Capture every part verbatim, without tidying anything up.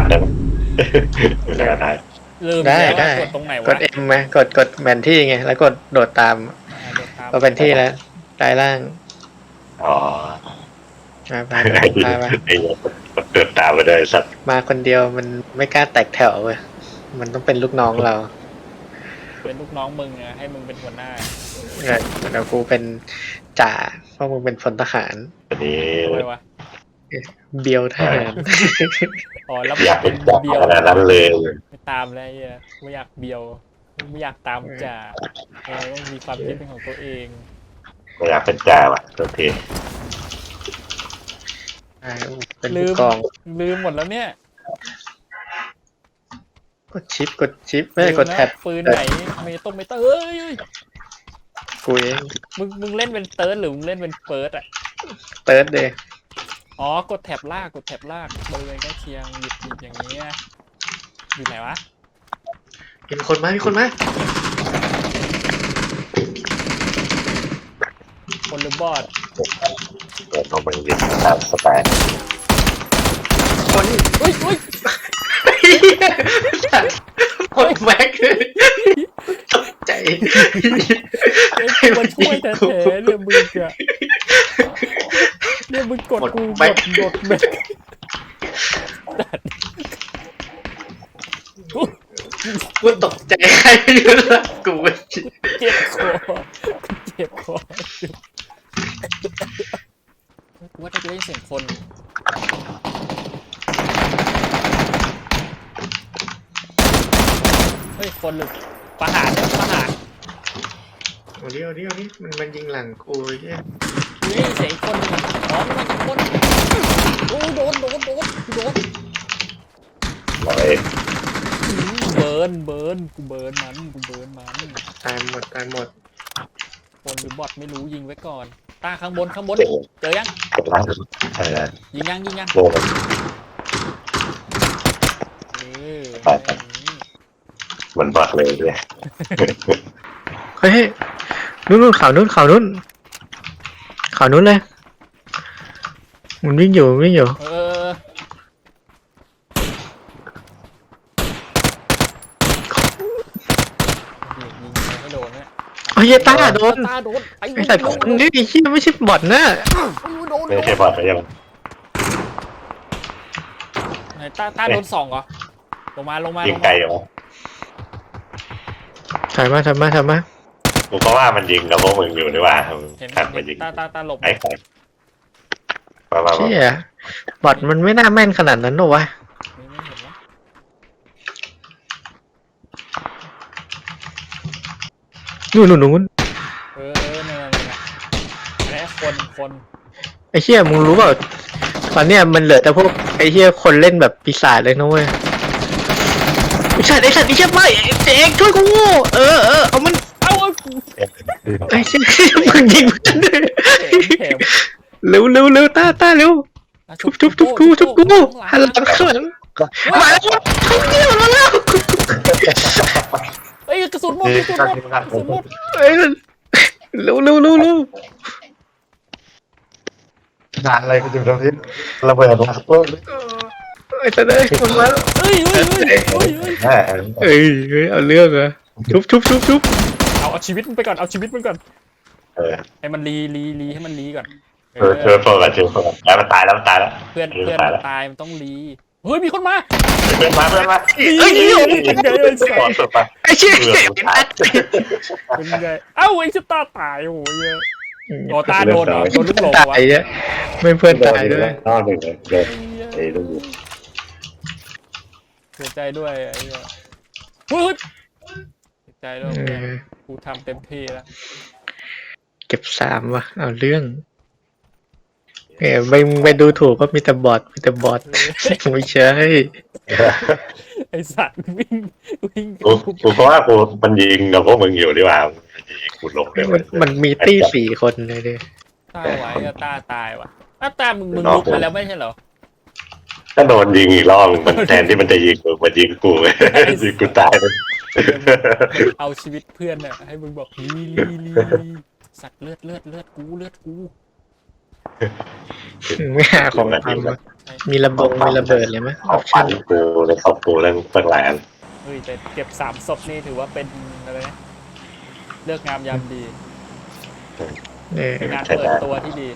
ได้ไหมได้ได้ลืมได้แล้วได้ว่ากดตรงไหนกวะดเอ็มไหมกดกดแผนที่ไงแล้วกดโดดตามอ่าโดดตามก็เป็นที่แล้วใต้ล่างอ๋อมาไปไอ้ไปไปไอ้เกิดตามไปเลยสัตว์มาคนเดียวมันไม่กล้าแตกแถวเว้ยมันต้องเป็นลูกน้องเราเป็นลูกน้องมึงอะให้มึงเป็นหัวหน้าเออเดี๋ยวกูเป็นจ่าเพราะมึงเป็นพลทหารอันนี้ทำไมวะเบียวทหารอ๋อแล้วอยากเป็เป็น นจ่าเบียวขนาดนั้นเลยไม่ตามแล้วไอ้เหี้ยไม่อยากเบียวไม่อยากตามจ่าเออต้องมีความคิดเป็นของตัวเองไม่อยากเป็นจ่าว่ะโอเคใช่เป็นลืผู้มกองลืมหมดแล้วเนี่ยกดชิปกดชิปไม่ได้กดลืนะแท็บปืนไหนไม่ต้องไม่ต้องเอ้ยกูเองมึงมึงเล่นเป็นเติร์ดหรือมึงเล่นเป็นเฟิร์สอะเติร์ดเดย์อ๋อกดแท็บลากกดแท็บลากบริเวณใกล้เคียงหยิบหยิบอย่างเงี้ยอยู่ไหนวะมีคนมามีคนมาคนหรือบอดเดี๋ยวเราไปยิงตามสไตล์คนเฮ้ยเฮ้ยคนแม็กเลยตกใจเฮ้ยกูมาช่วยแท้ๆเนี่ยมึงอะเนี่ยมึงกดกูกดกดแม็กกูกูตกใจใครอยู่ล่ะกูเจ็บคอกูเจ็บคอกูว่าถ้าจะได้ยินเสียงคนเฮ้ยคนหรือประหารเนี่ยประหารเอาดิเอาดิเอาดิมันมันยิงหลังกูเนี่ยกูได้ยินเสียงอีกคนหนึงอะอ๋อมันอีกคนโอ้โดนโดนโดนโดนเราเองอืมเบิร์นเบิร์นกูเบิร์นมันกูเบิร์นมันตายหมดตายหมดคนหรือบอทไม่รู้ยิงไว้ก่อนตาข้างบนข้างบนเจอยังกดล้างใช่แล้วยิงยังยิงยังโง่เออเหมือนบักเลยเลยเฮ้ยนู่นนู่นข่าวนู่นข่าวนู่นข่าวนู่นเลยมันวิ่งอยู่วิ่งอยู่เออยิงยิงไม่โดนเนี่ยเฮ้ยตาโดนตาโดนไอ้ไอ้สัตว์คนนี้ไอ้เหี้ยไม่ใช่บอทนะโดนไม่ใช่บอดไปยังไหนตาตาโดนสองเหรอลงมาลงมายิลงงไกลมาอยู่ถอยมาถอยมาถอยมากูก็ว่ามันยิงกับพวกมึงอยู่นี่ว่าเห็นขัดมายิงตาตาตาหลบไอ้ใครมามามาเชี่ยบอทมันไม่น่าแม่นขนาดนั้นหรอวะไม่ไม่เห็นวะนู่นนู่นนู่นเออเออนั่นนั่นนั่นอะไรคนคนไอ้เหี้ยมึงรู้เปล่าตอนเนี้ยมันเหลือแต่พวกไอ้เหี้ยคนเล่นแบบปีศาจเลยนะเว้ยไอ้สัตว์ไอ้สัตว์ไอ้เหี้ยไม่ไอ้เจ๊กช่วยกูเออเออเอามันเอาเอาไอ้เหี้ยมึงยิงมันด้วยแถมแถมเร็วเร็วเร็วตาตาเร็วอ่ะทุบทุบทุบกูทุบกูหันหลังข้างหลังมาแล้วทุบเนี่ยมาแล้วเอ้ยกระสุนหมดกระสุนหมดกระสุนหมดเอ้ยเร็วเร็วเร็วเร็วงานอะไรกูจะทำที่ระเบิดมาปุ๊บไอ้สัตว์เอ้ยมันมาแล้วเฮ้ยเฮ้ยเฮ้ยเฮ้ยเฮ้ยแม่เอ้ยเฮ้ยเอาเรื่องเหรอทุบทุบทุบทุบเอาเอาชีวิตมันไปก่อนเอาชีวิตมันก่อนเออให้มันรีรีรีให้มันรีก่อนเออเจอโฟกัสเจอโฟกัสแล้วมันตายแล้วมันตายแล้วเพื่อนเพื่เพื่ออน นตายแล้วตายมันต้องรีเฮ้ยมีคนมาเพื่อนมาเพื่อนมาเอ้ยเป็นไงไอ้สัขอสสุดไปไอ้เชี่ยเพื่อนตายเป็นไงเอ้าไอ้ชิตาตายโอ้ยเยอะโอตาโดนเหรอโดนลูกหลงตาวะยเนี่ยไม่เพื่อนตายด้วยนอนหนึ่งเลยเดินไอ้ลูกเสียใจด้วยไอ้เหี้ยเฮ้ยเสียใจด้วยเออกูทำเต็มที่แล้วเก็บสามว่ะเอาเรื่องเออไม่ไม่ดูถูกก็มีแต่บอทมีแต่บอทไม่ใช่ไอสัตว์วิ่งวิ่งกูกูเพราะว่ากูมันยิงกับพวกมึงอยู่ดีกว่ายิงกูลงเลยมันมันมีตี้สี่คนเลยดิตาไหวอะตาตายว่ะอ้าวตามึงมึงลุกมาแล้วไม่ใช่เหรอก็โดนยิงอีกรอบมันแทนที่มันจะยิงกูมันยิงกูยิงกูตายเลยเอาชีวิตเพื่อนน่ะให้มึงบอกลีลีลีลีสัตว์เลือดเลือดเลือดกูเลือดกูไม่หาของทำวะเอมีระเบงมีระเบิดเลยไหมขอบฟันกูในขอบกูเรื่องเปิดหลายอันเฮ้ยแต่เก็บสามศพนี่ถือว่าเป็นอะไรนะเลือกงามยามดีเออเป็นงานเปิดตัวที่ดี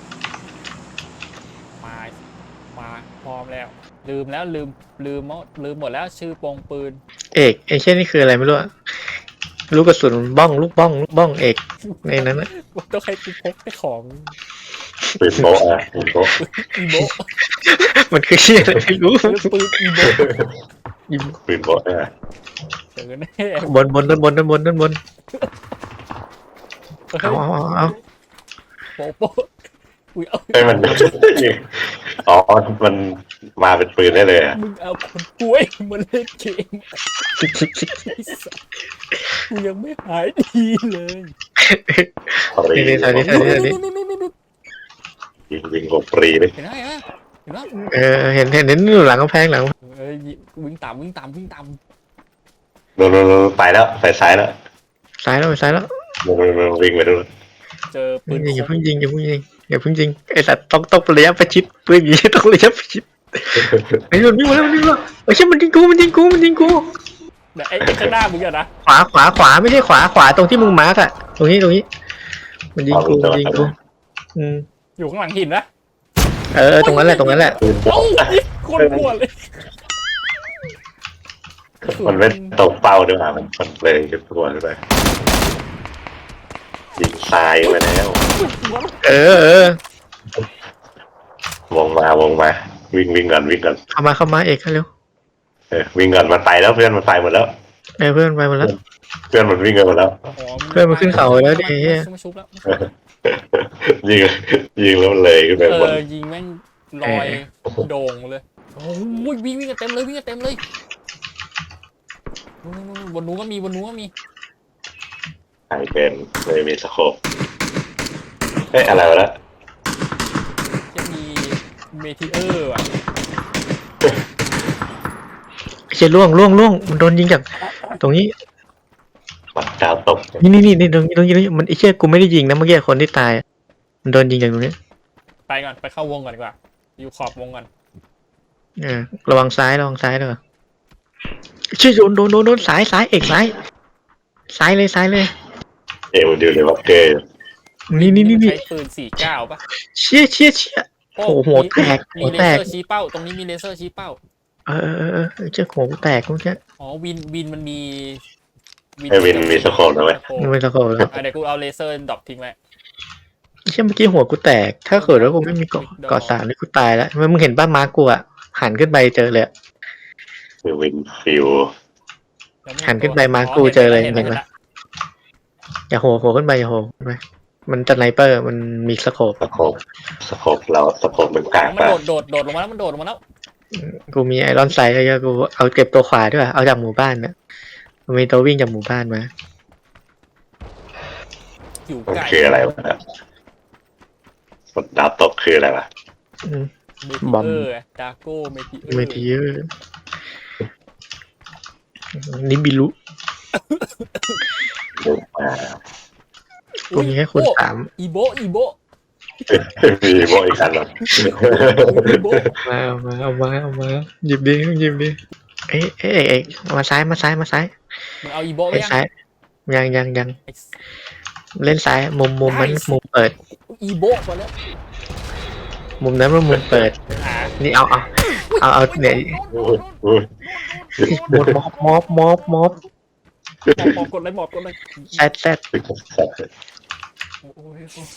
มา มาพร้อมแล้ว ลืมแล้วลืมลืมหมดลืมหมดแล้วชื่อโปงปืนเอกไอ้เช่นนี่คืออะไรไม่รู้อะลูกกระสุนบ้องลูกบ้องลูกบ้องเอกในนั้นนะต้องให้กูพกไปของปืนโบะอ่ะปืนโบะอีโบมันคือเชี่ยอะไรไม่รู้หรือปืนอีโบปืนโบะอ่ะเจอแน่บนบนด้านบนด้านบนด้านบนเอาเอาเอาเอาโป๊ะโป๊ะอุ้ยเอาให้มันอ๋อมันมาเป็นปืนได้เลยอ่ะมึงเอาคนป่วยมาเล่นเกมไอ้สัสกูยังไม่หายดีเลยปรีนี่นี่ตอนนี้ตอนนี้ตอนนี้ยิงยิงกบปรีเลยเห็นไหมเห็นไหมเออเห็นเห็นเห็นอยู่หลังกำแพงหลังเอ้ยวิ่งตามวิ่งตามวิ่งตามโดนโดนโดนไปแล้วไปซ้ายแล้วซ้ายแล้วซ้ายแล้วโดนโดนวิ่งไปดูเจอปืนอย่าเพิ่งยิงอย่าเพิ่งยิงอย่าเพิ่งยิงไอ้สัตว์ต้องต้องระยะประชิดปืนอย่างนี้ต้องระยะประชิดไอ้มันวิ่งมาแล้วมันวิ่งมาไอ้เชี่ยมันยิงกูมันยิงกูมันยิงกูไอ้ไอ้ข้างหน้ามึงอะนะขวาขวาขวาไม่ใช่ขวาขวาตรงที่มึงมาร์กอะตรงนี้ตรงนี้ มันยิงกูมันยิงกูอืมอยู่ข้างหลังหินนะเออตรงนั้นแหละตรงนั้นแหละปืนเอ้าโบะคนหัวเลยมันไม่ตกเป้าด้วยอ่ะมันมันเลยขึ้นตัวด้วยยิงทรายมาแล้วเออเออวงมาวงมาวิ่งวิ่งก่อนวิ่งก่อนเข้ามาเข้ามาเอกเร็วเออวิ่งก่อนมันไปแล้วเพื่อนมันไปหมดแล้วเออเพื่อนไปหมดแล้วเพื่อนมันวิ่งกันหมดแล้วเพื่อนมันขึ้นเขาแล้วดิเหี้ยไม่ชุบแล้วยิงยิงแล้วมันเลยขึ้นไปเอบนอยิงแม่งลอยโด่งเลยโอ้ยวิ่งวิ่งกันเต็มเลยวิ่งกันเต็มเลยนู่นๆๆบนนู้นก็มีบนนู้นก็มีใครเป็นเลยมีสโคปเอ้ยอะไรวะละจะมีเมทิเออร์อ่ะไอ้เชี่ยล่วงล่วงล่วงมันโดนยิงจากตรงนี้ปัดดาวตกนี่นี่นี่นี่ตรงนี้ตรงนี้ตรงนี้มันไอ้เชี่ยกูไม่ได้ยิงนะเมื่อกี้คนที่ตายอะมันโดนยิงจากตรงนี้ไปก่อนไปเข้าวงก่อนดีกว่าอยู่ขอบวงก่อนเออระวังซ้ายระวังซ้ายด้วยเชี่ยโดนโดนโดนโดนซ้ายซ้ายเอกซ้ายซ้ายเลยซ้ายเลยเอวดิวเลยว่าเกย์นี่นี่นี่นี่ใช้ปืนสี่เก้าป่ะเชี่ยเชี่ยเชี่ย โอ้โหหัวแตกมีหัวเลแตกเซอร์ชี้เป้าตรงนี้มีเลเซอร์ชี้เป้าเออเออเออเออเชี่ยโหแตกกูเชี่ยอ๋อวินวินมันมีไอ้วินมีสโคปนะเว้ยโอ้โหมันไม่ตะโกนแล้วอ่ะเดี๋ยวกูเอาเลเซอร์ดรอปทิ้งไว้เชี่ยเมื่อกี้หัวกูแตก ถ้าเกิดว่ากูไม่มีเกาะเกาะสามนี่กูตายแล้วมึงเห็นป้ามากูอ่ะหันขึ้นไปเจอเลยอะคือวินฟิวหันขึ้นไปมากูเจอเลยเห็นไหม อย่าโหโหขึ้นไปอย่าโหขึ้นไปมันจะไนเปอร์มันมีสโคปสโคปสโคปเราสโคปมันกลางมันปะโดดโดดโดดลงมาแล้วมันโดดลงมาแล้วกูมีไอรอนไซด์แล้วกูเอาเก็บตัวขวาด้วยเอาจากหมู่บ้านนะมันมีตัววิ่งจากหมู่บ้านมาอยู่มันไกลคืออะไรวะดาวตกคืออะไรวะอืมเมบอมทิเออร์ดาโก้เมทิเออร์เมทีเยอร์นิบิลุดูมากูมีแค่คนสามอีโบอีโบมีโบอีกคันหรออีโบมาเอามาเอามาเอามาหยิบดิหยิบดิเอ๊ะเอ๊ะเอ๊ะมาซ้ายมาซ้ายมาซ้ายมึงเอาอีโบไปไอ้ยังซ้ายยังยังยังไอ้เล่นซ้ายมุมมุมมันมุมเปิดอีโบก่อนแล้วมุมนั้นมันมุมเปิดอ่านี่เอาเอาเอาเอาเนี่ยอุ้ยหมดม็อบม็อบม็อบม็อบหมอบกดเลยหมอบกดเลยแซดแซดโอ้ย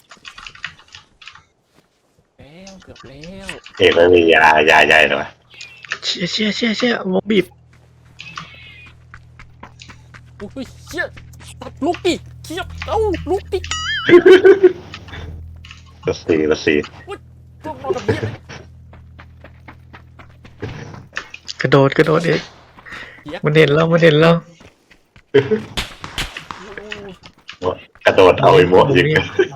แล้วเกือบแล้วเอ็ไม่มียายาใหญ่หรอเชี่ยเชี่ยเชี่ยเชี่ยม็อบบีบโอ้ยเชี่ยตัดลุกดิเชี่ยเอ้าลุกดิละสี่ละสี่ตัวมอแบบนี้กระโดดกระโดดเองมันเห็นแล้วมันเห็นแล้วกระโดดเอาไอ้โมยิง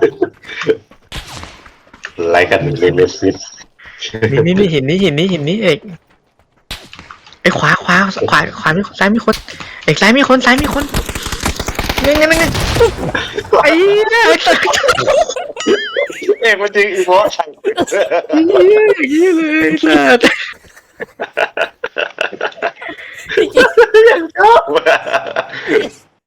ไล่กันเลเมซิสนี่นี่นี่เห็นนี่เห็นนี่เห็นนี่เอกไอ้ขวาขวาขวาขวามีซ้ายมีคนเอกซ้ายมีคนซ้ายมีคนเงี้ยเงี้ยเงี้ยไอ้เนี่ยเอกมันยิงอีโมใส่เหี้ยเหี้ยเลยสัตว์